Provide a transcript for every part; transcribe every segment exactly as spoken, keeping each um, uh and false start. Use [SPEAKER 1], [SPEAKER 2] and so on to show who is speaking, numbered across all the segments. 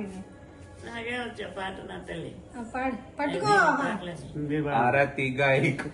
[SPEAKER 1] నాగే వచ్చే పాట నా తల్లి
[SPEAKER 2] పట్టుకో
[SPEAKER 3] ఆరతి గాయకు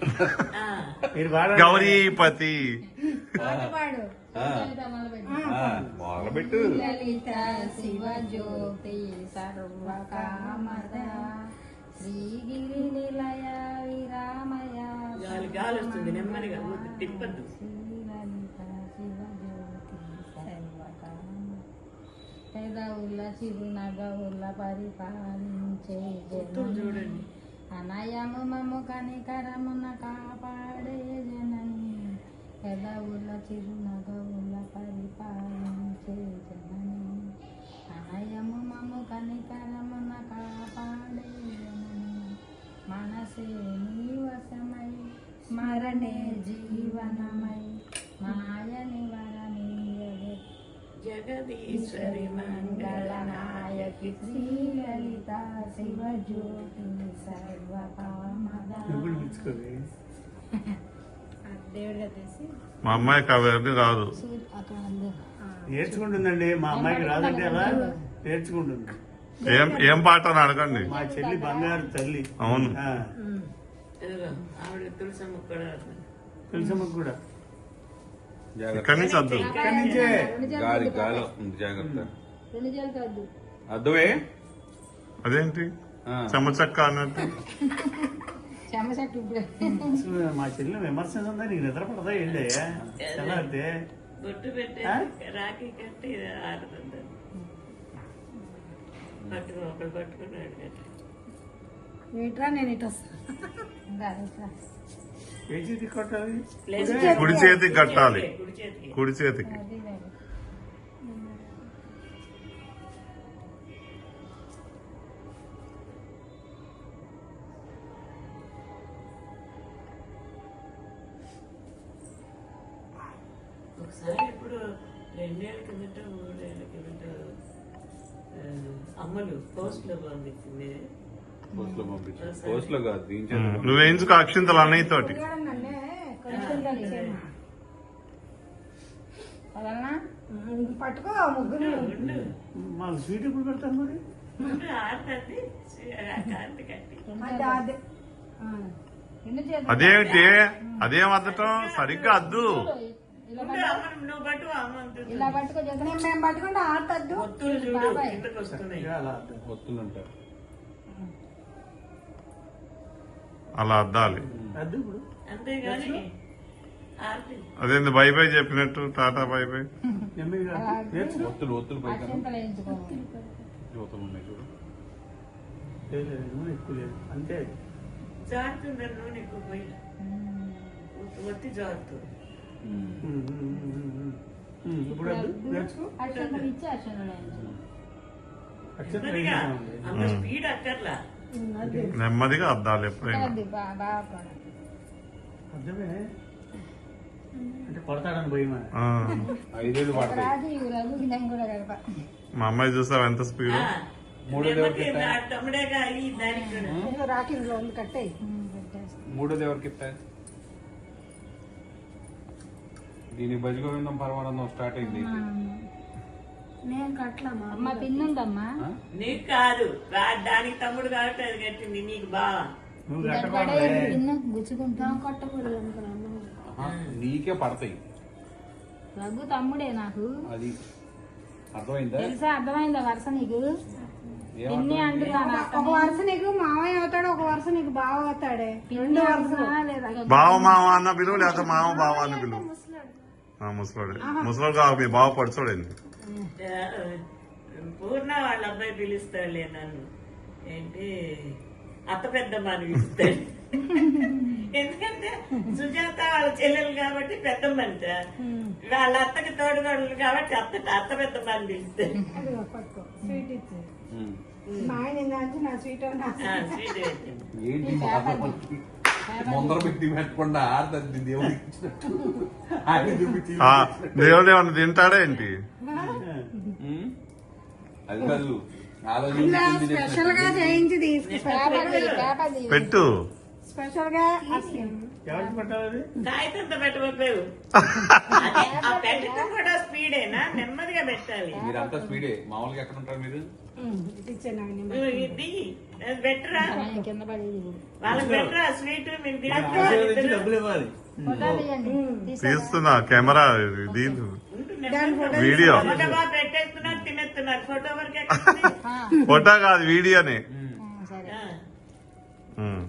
[SPEAKER 4] గౌరీపతి
[SPEAKER 2] పాడు
[SPEAKER 3] మొదలుపెట్టు.
[SPEAKER 2] లలిత శివ జ్యోతి సర్వకామద శ్రీగిరి నిలయ విరామయ
[SPEAKER 1] గాలి గాలి వస్తుంది నెమ్మదిగా తిప్పద్దు.
[SPEAKER 2] లలిత శివ జ్యోతి సర్వకామ పెదవుల చిరునగవుల పరిపాలించే
[SPEAKER 1] చూడండి
[SPEAKER 2] అనయము మము కనికరమున కాపాడే జనని పెదవుల చిరునగవుల పరిపాలించే జనని అనయము మము కనికరమున కాపాడే జనని మనసే నీవసమై స్మరణే జీవనమై మాయని వరనీయవే
[SPEAKER 1] జగదీశ్వరి
[SPEAKER 2] మంగళనాయకి శ్రీలలిత శివ జ్యోతి సర్వకామద దేవుడిగా తీసి
[SPEAKER 4] మా అమ్మాయికి అవన్నీ రాదు.
[SPEAKER 5] నేర్చుకుంటుందండి. మా అమ్మాయికి రాదంటే ఎలా నేర్చుకుంటుంది.
[SPEAKER 4] ఏం ఏం పాట అని అడగండి.
[SPEAKER 5] మా చెల్లి బంగారు తల్లి.
[SPEAKER 4] అవును.
[SPEAKER 1] ఆవిడ తులసమ్మ కూడా
[SPEAKER 5] తులసమ్మకు కూడా
[SPEAKER 4] ఇక్కడి నుంచి వద్దు.
[SPEAKER 5] ఇక్కడి నుంచే
[SPEAKER 3] గాలి గాలి వస్తుంది, జాగ్రత్త.
[SPEAKER 2] రెండు చేతులతో వద్దు
[SPEAKER 3] అద్దువే
[SPEAKER 4] అదేంటి చెమ్మచక్క అన్నట్టు.
[SPEAKER 2] చెమ్మచెట్టు ఇప్పుడే
[SPEAKER 5] మా చెల్లి విమర్శన ఉందా? నీకు నిద్ర పడదా? ఏంటి ఎలా అంటే
[SPEAKER 1] బొట్టు పెట్టే రాఖీ కట్టి ఆడుతుంది. పట్టుకో ఒకరు పట్టుకున్నాడు కదా.
[SPEAKER 2] ఏట్రా నేను ఇటు వస్తా.
[SPEAKER 5] ఏ చేతి కొట్టాలి?
[SPEAKER 4] కుడి చేతికి కట్టాలి.
[SPEAKER 1] కుడి చేతికి
[SPEAKER 4] కుడి చేతికి
[SPEAKER 1] ఒకసారి ఇప్పుడు రెండేళ్ల కిందట మూడేళ్ల కిందట అమ్మలు పోస్ట్ లో పంపించింది.
[SPEAKER 3] పోస్ట్ లో పంపించు. పోస్ట్ లో కాదు, దీంట్లో
[SPEAKER 4] నువ్వు వేయించుకో అక్షింతలు అన్నయ్య తోటి.
[SPEAKER 2] పట్టుకో ముగ్గురు
[SPEAKER 5] మాకు స్వీట్ ఎప్పుడు పెడతాను మరి?
[SPEAKER 1] ఆడుతుంది కాంతి కట్టి
[SPEAKER 4] అదేమిటి అదేం అద్దటం సరిగ్గా అద్దు.
[SPEAKER 1] నువ్వు పట్టు అమ్మ అంటుంది.
[SPEAKER 2] ఇలా పట్టుకో జగన్ మేము పట్టుకుంటే ఆడతద్దు.
[SPEAKER 1] ఒత్తులు చూడు కిందకు వస్తున్నాయి.
[SPEAKER 5] అలా అర్థం.
[SPEAKER 3] ఒత్తులు ఉంటారు.
[SPEAKER 4] అలా అద్దాలి.
[SPEAKER 5] అద్దు ఇప్పుడు
[SPEAKER 1] అంతేగాని ఆర్తి
[SPEAKER 4] అదేంది బై బై చెప్పినట్టు టాటా బై బై.
[SPEAKER 5] నెమ్మదిగా నేర్చుకో.
[SPEAKER 3] ఒత్తులు ఒత్తులు పైకి
[SPEAKER 2] అక్షింతలు వేయించుకోవాలి.
[SPEAKER 3] ఒత్తులు ఉన్నాయి చూడు.
[SPEAKER 5] లేదు, లేదు, నూనె ఎక్కువ లేదు అంతే.
[SPEAKER 1] జారుతుంది నూనె ఎక్కువ పోయి ఒత్తి జారుతుంది.
[SPEAKER 5] ఇప్పుడు అద్దు నేర్చుకో.
[SPEAKER 2] అక్షింతలు ఇచ్చి అక్షింతలు వేయించుకోవాలి.
[SPEAKER 5] అక్షరం
[SPEAKER 1] నెమ్మదిగా
[SPEAKER 5] వేయించామండి.
[SPEAKER 1] అంత స్పీడ్ అక్కర్లా.
[SPEAKER 4] నెమ్మదిగా అద్దాలి ఎప్పుడైనా.
[SPEAKER 2] బాగా
[SPEAKER 5] అర్థమే అంటే కొడతాడని భయమా?
[SPEAKER 4] ఆ.
[SPEAKER 3] ఐదేళ్ళు పడతాయి.
[SPEAKER 2] రాజు రఘు నేను కూడా కలప.
[SPEAKER 4] మా అమ్మాయి చూసావు ఎంత స్పీడ్.
[SPEAKER 1] నెమ్మది తమ్ముడేగా ఈ దానికి
[SPEAKER 2] రాకింగ్లో ఉంది కట్టాయి.
[SPEAKER 3] మూడోది ఎవరికి ఇస్తాయి? దీని భజగోవిందం పరమానందం స్టార్ట్ అయింది.
[SPEAKER 2] నేను కట్టలమ్మా. అమ్మ పిన్ ఉందమ్మా.
[SPEAKER 1] నీకు కాదు దానికి తమ్ముడు కాబట్టి అది కట్టింది నీకు బాగా.
[SPEAKER 5] నువ్వు కట్టకూడదు.
[SPEAKER 2] పిన్ గుచ్చుకుంటాం కట్టకూడదు అనుకున్నాను.
[SPEAKER 3] నీకే పడతాయి.
[SPEAKER 2] రఘు తమ్ముడే నాకు.
[SPEAKER 3] అది అర్థమైందా?
[SPEAKER 2] తెలుసా? అర్థమైందా వరుస నీకు?
[SPEAKER 3] ఏమర్థం?
[SPEAKER 2] పిన్ని అంటున్నాను.
[SPEAKER 6] ఒక వరుస నీకు మావయ్య అవుతాడు, ఒక వరుస నీకు బావ అవుతాడే.
[SPEAKER 2] రెండు వరుస లేదా?
[SPEAKER 4] బావ మావ అన్న పిలువు లేకపోతే మావ బావ అన్న పిలువు. ముసలాడు ముసలాడు కావు మీ బావ పడుచోడండి.
[SPEAKER 1] పూర్ణ వాళ్ళ అబ్బాయి పిలుస్తాడులే నన్ను. ఏంటి అత్త పెద్దమ్మ అని పిలుస్తాడు. ఎందుకంటే సుజాత వాళ్ళ చెల్లెలు కాబట్టి పెద్దమ్మ అంట. వాళ్ళ అత్తకి తోడుగోడలు కాబట్టి అత్త అత్త పెద్దమ్మ అని పిలుస్తాడు.
[SPEAKER 6] అదిగో పట్టుకో, స్వీట్ ఇచ్చి మా ఆయన ఏంటంటే నా స్వీట్
[SPEAKER 1] ఆ, స్వీట్ పెట్టింది.
[SPEAKER 3] ఏంటి బాధపడి ముందర పెట్టి పెట్టకుండా ఆడదండి దేవుడు ఇచ్చినట్టు ఆయన చూపించి
[SPEAKER 4] ఆ, దేవుడు ఏమన్నా తింటాడా ఏంటి?
[SPEAKER 3] ఉమ్. అది కాదు ఆలోచించి
[SPEAKER 6] స్పెషల్ గా చేయించి తీసుకు
[SPEAKER 4] పెట్టు.
[SPEAKER 6] స్పెషల్ గా
[SPEAKER 5] ఎవరికి పెట్టాలి?
[SPEAKER 1] కాగితంతో పెట్టబోయావు. ఆ పెట్టడం కూడా స్పీడేనా? నెమ్మదిగా పెట్టాలి.
[SPEAKER 3] మీరంతా స్పీడే. మామూలుగా ఎక్కడ ఉంటారు మీరు?
[SPEAKER 6] ఇచ్చాను
[SPEAKER 1] నువ్వు ఇది బెటరా
[SPEAKER 2] ఆయన కింద పడేది ఇప్పుడు.
[SPEAKER 1] వాళ్ళకి బెటరా స్వీట్ మేము
[SPEAKER 5] ఆశీర్వదించి
[SPEAKER 1] తింటాం
[SPEAKER 5] డబ్బులు ఇవ్వాలి
[SPEAKER 2] ఫోటో తీయండి. తీసారా?
[SPEAKER 4] తీస్తున్నా కెమెరా దీని వీడియో
[SPEAKER 1] ఫోటో బాగా పెట్టేస్తున్నారు తినేస్తున్నారు ఫోటో వరకు ఎక్కడుంది?
[SPEAKER 2] ఆ,
[SPEAKER 4] ఫోటో కాదు వీడియోనే
[SPEAKER 2] ఆ, సరే
[SPEAKER 1] ఆ.
[SPEAKER 4] ఉమ్.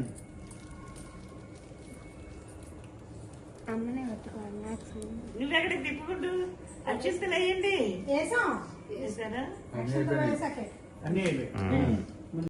[SPEAKER 6] అమ్మనే పట్టుకోవాలి మ్యాక్స్
[SPEAKER 1] నువ్వెక్కడికి తిప్పుకుంటూ అక్షిస్తులు అయ్యండి
[SPEAKER 6] వేసాం
[SPEAKER 1] చేశారా
[SPEAKER 6] వేసాకే
[SPEAKER 5] అన్నీ అయిపోయాయి
[SPEAKER 4] ఉమ్.